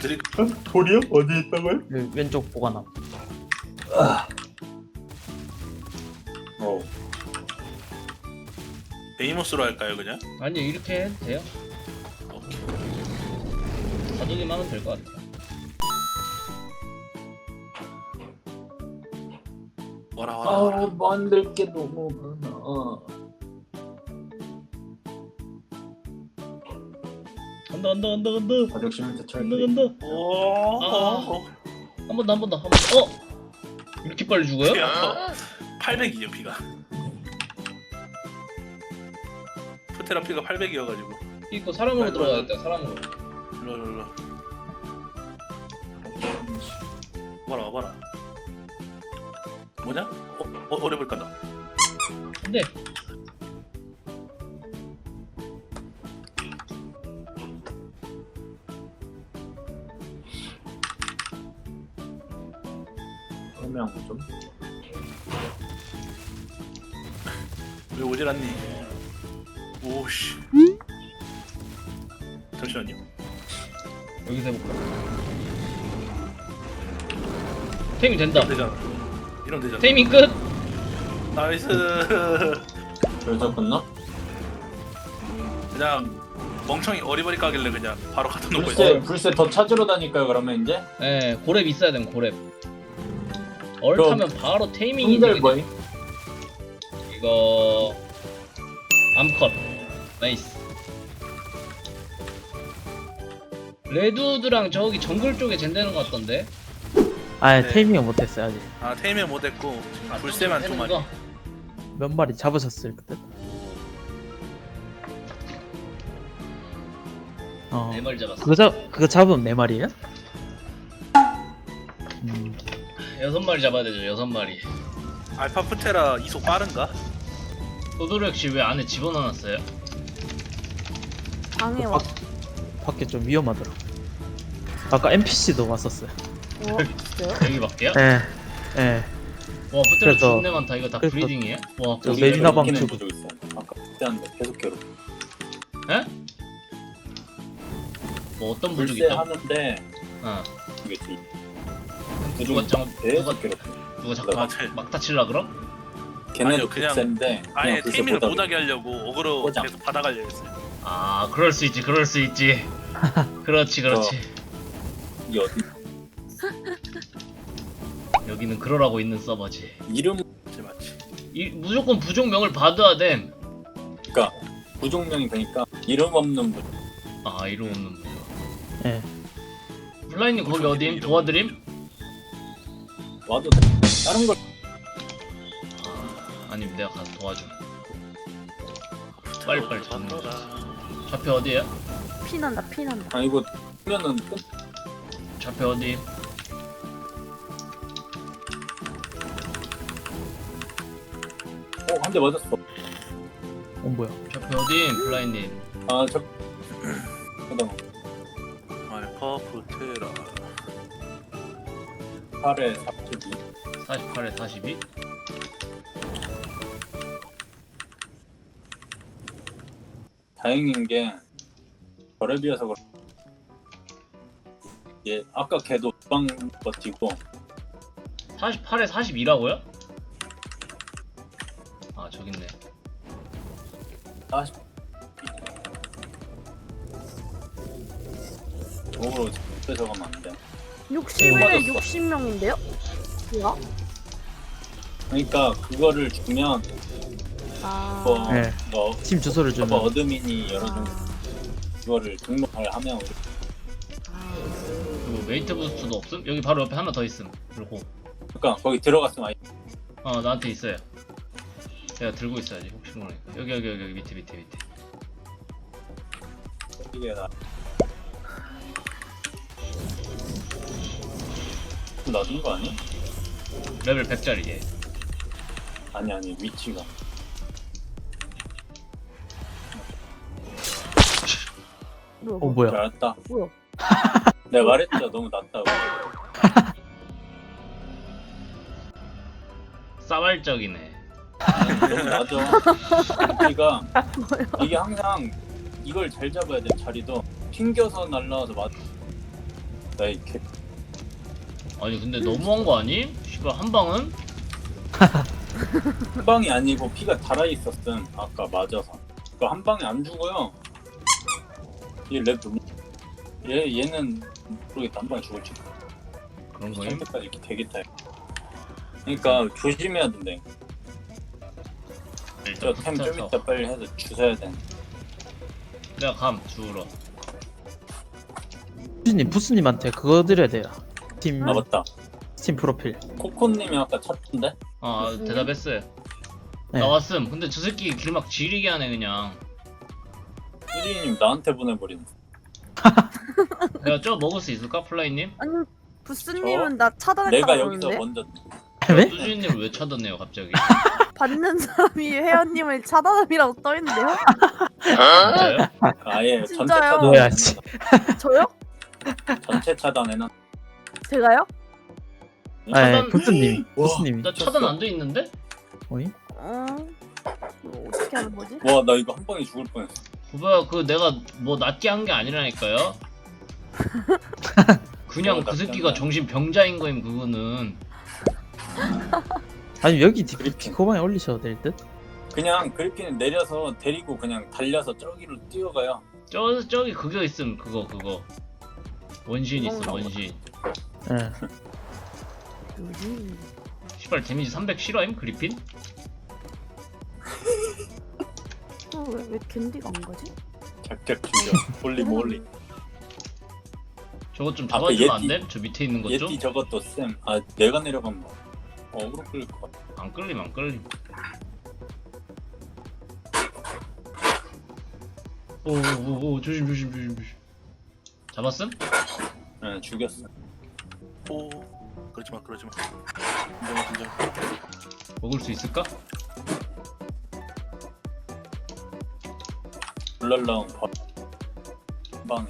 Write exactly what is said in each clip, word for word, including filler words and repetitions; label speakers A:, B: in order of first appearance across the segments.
A: 드립.
B: 어? 돌이요? 어디 있다고요?
C: 그 왼쪽 보관함.
B: 어.
A: 베이모스로 할까요 그냥?
D: 아니 이렇게 해도 돼요.
A: 오케이.
D: 가두기만 하면 될 것 같아.
A: 와라 와라 와라.
B: 아, 만들 게 너무 많아.
D: 간다 간다 간다 간다
B: 가족심을 대처할
D: 간다
B: 때.
D: 간다.
A: 오.
D: 아. 한 번 더 한 번 더 한 번 더. 어? 이렇게 빨리 죽어요?
A: 팔백이요 피가. 프테라 피가 팔백이어가지고.
D: 이거 사람으로 들어가야겠다. 사람으로.
A: 일로 일로 일로. 와라 와라. 뭐냐? 어? 어 어려볼 까다.
D: 근데
B: 설명 좀.
A: 왜 오질 않니? 오씨. 잠시만요.
D: 여기서 해볼까? 테이밍 된다.
A: 이러면 되잖아. 이러면 되잖아.
D: 테이밍 끝.
A: 나이스.
B: 여기서 끝나?
A: 그냥 멍청이 어리버리 까길래 그냥 바로 갖다 놓고
B: 불새,
A: 있어.
B: 불새 더 찾으러 다닐까요 그러면 이제?
D: 예, 고렙 있어야 되면 고렙. 얼타면 바로 테이밍이
B: 형들
D: 되게
B: 뭐임?
D: 이거 암컷 나이스. 레드우드랑 저기 정글 쪽에 젠되는 것 같던데.
C: 아
A: 네.
C: 테이밍을 못했어요 아직.
A: 아 테이밍 못했고
D: 아,
A: 불새만 두
D: 되는
A: 마리.
D: 거?
C: 몇 마리 잡으셨을 듯. 어.
D: 네 마리 잡았어.
C: 그거 잡 그거 잡으면 네 마리예요? 음.
D: 여섯 마리 잡아야 되죠. 여섯 마리.
A: 알파 프테라 이속 빠른가?
D: 도도리 역시 왜 안에 집어넣어놨어요?
E: 방에
C: 그
E: 와.
C: 밖, 밖에 좀 위험하더라. 아까 엔피씨도 왔었어요.
E: 어, 진짜요?
D: 여기 밖에요?
C: 예. 예.
D: 와 포테라
C: 그래서-
D: 존내 많다. 이거 다
C: 그래서-
D: 브리딩이에요? 와
C: 저
D: 거기
C: 메리나 방
B: 웃기는
C: 주고.
B: 구조 있어요. 아까 그때 한데 계속 괴롭.
D: 에? 뭐 어떤 부족
B: 불새
D: 있다?
B: 하는데
D: 어.
B: 이게 뒤.
D: 누가
B: 구조
D: 장
B: 계속
D: 누가
B: 괴롭.
D: 누가 자꾸
A: 아,
D: 막,
A: 제-
D: 막 다칠라 그럼?
B: 걔네도
A: 아니요, 그냥
B: 불새인데
A: 아예
B: 그냥 불새
A: 테이밍을
B: 보다
A: 못하게 하려고 어그로
B: 꽂아.
A: 계속 받아가려 했어요.
D: 아 그럴 수 있지 그럴 수 있지. 그렇지 그렇지.
B: 이 어디
D: 여기는 그러라고 있는 서버지.
B: 이름
A: 맞지 맞지.
D: 이, 무조건 부족명을 받아야 됨.
B: 그러니까 부족명이 되니까 이름 없는 분.
D: 아 이름 없는 부족.
C: 예.
D: 블라인님 거기 어디임? 도와드림?
B: 와도 돼. 다른 걸
D: 아, 아니면 내가 가서 도와줌. 빨리빨리 잡는 거지.
A: 받아라.
D: 좌표 어디야?
E: 피난다, 피난다.
B: 아 이거 하면은 끝.
D: 좌표 어디?
B: 어, 한 대 맞았어.
C: 어 뭐야?
D: 좌표 어디? 블라인님.
B: 아, 저 잠깐만.
A: 알파 프테라.
B: 팔에 사십이.
D: 사십팔에 사십이?
B: 다행인 게 저에 비해서 그렇. 예, 아까 걔도 두방 버티고
D: 사십팔에 사십이라고요? 아 저기 있네.
B: 사십. 도로 뺏어가면 안 돼.
E: 육십
B: 오,
E: 일에
B: 맞았어.
E: 육십 명인데요? 뭐야?
B: 그러니까 그거를 주면
E: 아.
B: 뭐,
C: 네.
B: 뭐
C: 팀 주소를
B: 서버
C: 주면
B: 어드민이 열어준
E: 아.
B: 그거를 등록을 하면 우리
E: 아.
D: 그리고 웨이트 부스트도 없음? 여기 바로 옆에 하나 더 있음. 그리고
B: 그러니까 거기 들어갔으면 아예
D: 어 나한테 있어요. 내가 들고 있어야지 혹시 모르니까. 여기 여기 여기, 여기 밑에 밑에 밑에.
B: 이게 나 놔둔 거 아니야?
D: 레벨 백짜리 얘.
B: 아니 아니 위치가
E: 뭐야?
C: 어 뭐야?
B: 알았다.
E: 뭐야?
B: 내가 말했죠 너무 낮다고.
D: 싸발적이네.
B: 너무 낮아. 위치가 이게 항상 이걸 잘 잡아야 돼. 자리도 튕겨서 날라와서 맞. 나이 개
D: 아니 근데 너무한 거 아니? 씨발 한 방은?
B: 한 방이 아니고 피가 달아 있었음. 아까 맞아서. 그 한 방에 안 죽어요. 얘랩 너무. 얘 얘는 모르겠다. 한 방에 죽을지.
D: 그런 거임?
B: 상대까지 이렇게 되겠다. 그러니까 조심해야 된대.
D: 일단
B: 저템 좀
D: 붙어서
B: 이따 빨리 해서 주워야 돼.
D: 내가 감 주우러.
C: 부스님 부스님한테 그거 드려야 돼요. 팀
B: 아 맞다.
C: 스팀 프로필.
B: 코코님이 아까 찾던데?
D: 아
E: 무슨
D: 대답했어요.
C: 네.
D: 나왔음. 근데 저 새끼 길막 지리게 하네 그냥.
B: 휘리님 나한테 보내버리네.
D: 내가 저거 먹을 수 있을까 플라이님?
E: 아니 부스님은 나 차단했다고
B: 내가 여기서
E: 그러는데
B: 먼저
C: 왜?
D: 뚜지님을 왜 차단해요 갑자기?
E: 받는 사람이 회원님을 차단함이라고 떠있는데요?
D: 진짜요?
B: 아예 전체
E: 진짜요?
B: 차단.
C: 뭐야, 씨.
E: 저요?
B: 전체 차단해놔.
E: 제가요?
C: 아,
D: 차단-
C: 부스님
B: 와.
C: 부스님이.
D: 나 차단 안 돼 있는데?
C: 어이?
E: 어... 뭐 어떻게 하는 거지?
B: 와 나 이거 한 방에 죽을 뻔했어.
D: 구봐요 그 내가 뭐 낮게 한 게 아니라니까요. 그냥
B: 어,
D: 그
B: 낮게
D: 새끼가
B: 한 거야.
D: 정신 병자인 거임 그거는.
C: 아니 여기 디-
B: 그리핀.
C: 디코방에 올리셔도 될 듯?
B: 그냥 그리핀을 내려서 데리고 그냥 달려서 저기로 뛰어가요.
D: 저 저기 그거 있음 그거 그거 원신 있음
E: 그런가
D: 원신.
C: 예.
E: 뭐지?
D: 시발 데미지 삼백 실화임 그리핀?
E: 어, 왜, 왜 캔디가 안 가지?
B: 작작 죽여. 몰리 몰리.
D: 저것 좀
B: 앞에
D: 잡아주면 안
B: 예티.
D: 됨? 저 밑에 있는 것 좀?
B: 예티 저것도 쌤. 아 내가 내려가면 뭐 어그로 끌릴 것 같아.
D: 안 끌림 안 끌림. 오오오 조심 조심 조심 조심. 잡았음?
B: 네 죽였어.
A: 오 그러지마 그러지마. 인정 인정.
D: 먹을 수 있을까?
B: 블랄라운 바. 한 방에.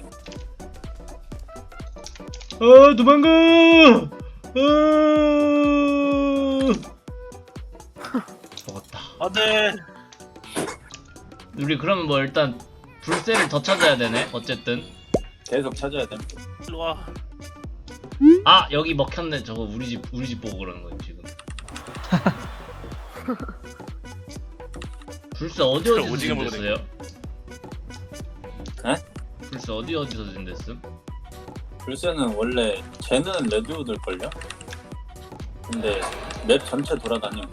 D: 아 도망가! 아 먹었다.
A: 안돼.
D: 우리 그러면 뭐 일단 불새를 더 찾아야 되네. 어쨌든
B: 계속 찾아야 돼.
A: 일로 와.
D: 아 여기 먹혔네. 저거 우리 집 우리 집 보고 그러는 거지 지금. 불새 어디 어디서
A: 오징어 먹어야
D: 된댔어요?
B: 에?
D: 불새 어디 어디서 된댔음?
B: 불새는 원래 쟤는 레드우드일걸요? 근데 맵 전체 돌아다니면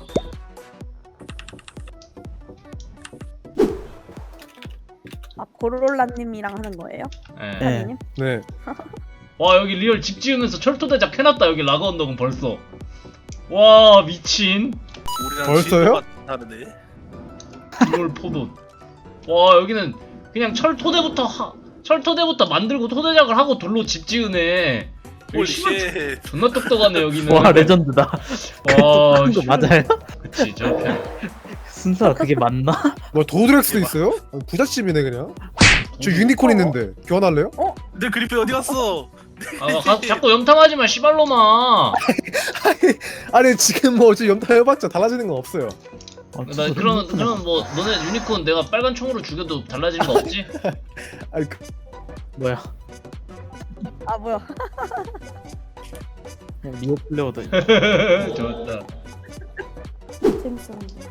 E: 아 고롤라님이랑 하는 거예요?
D: 예.
C: 네.
E: 회원님?
F: 네.
D: 와 여기 리얼 집 지으면서 철도 대작 해놨다. 여기 라그 언덕은 벌써. 와 미친.
A: 우리랑
F: 벌써요?
A: 다르네.
D: 이걸 포돈. 와 여기는 그냥 철토대부터 하, 철토대부터 만들고 토대작을 하고 돌로 집 지으네. 여기
A: 홀
D: 씨발
A: 쉣.
D: 존나 똑똑하네 여기는.
C: 와 레전드다.
D: 와
C: 그거
D: 씨발.
C: 맞아요?
D: 그치 저렇게.
C: 순서가 그게 맞나?
F: 뭐 도드렉스도 있어요? 아, 부잣집이네 그냥. 저 유니콘 있는데 교환할래요?
A: 내 그리핀 어디 갔어?
D: 아 가, 자꾸 염탐하지마 씨발로마.
F: 아니 지금 뭐 어차피 염탐해봤자 달라지는 건 없어요.
C: 아,
D: 나
C: 진짜
D: 그러면
C: 그렇구나.
D: 그러면 뭐 너네 유니콘 내가 빨간 총으로 죽여도 달라지는 거 없지?
F: 아니 그,
C: 뭐야?
E: 아 뭐야?
C: 그냥 리오 플레어도
D: 좋았다.
E: 재밌었는데.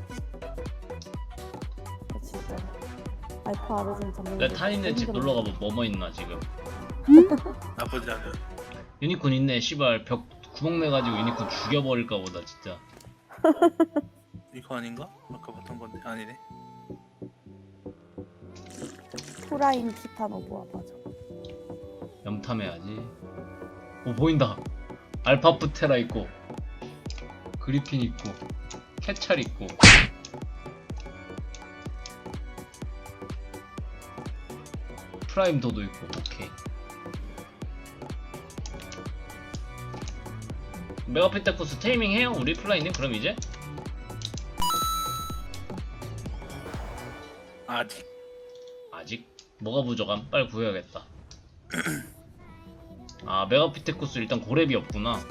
E: 아, 진짜. 알파 아르진 잡는
D: 내 타인네 집 놀러 가면 뭐뭐 있나 지금?
A: 나쁘지 않아.
D: 유니콘 있네. 씨발 벽 구멍 내 가지고 유니콘 죽여버릴까 보다 진짜.
A: 이거 아닌가? 아까 봤던 건데 아니네.
E: 프라임 티타노보아 맞아.
D: 염탐해야지. 오 보인다. 알파프테라 있고 그리핀 있고 캐찰 있고 프라임 도도 있고. 오케이. 메가피테쿠스 테이밍 해요 우리 플라이님? 그럼 이제?
A: 아직.
D: 아직? 뭐가 부족함? 빨리 구해야겠다. 아 메가피테쿠스 일단 고렙이 없구나.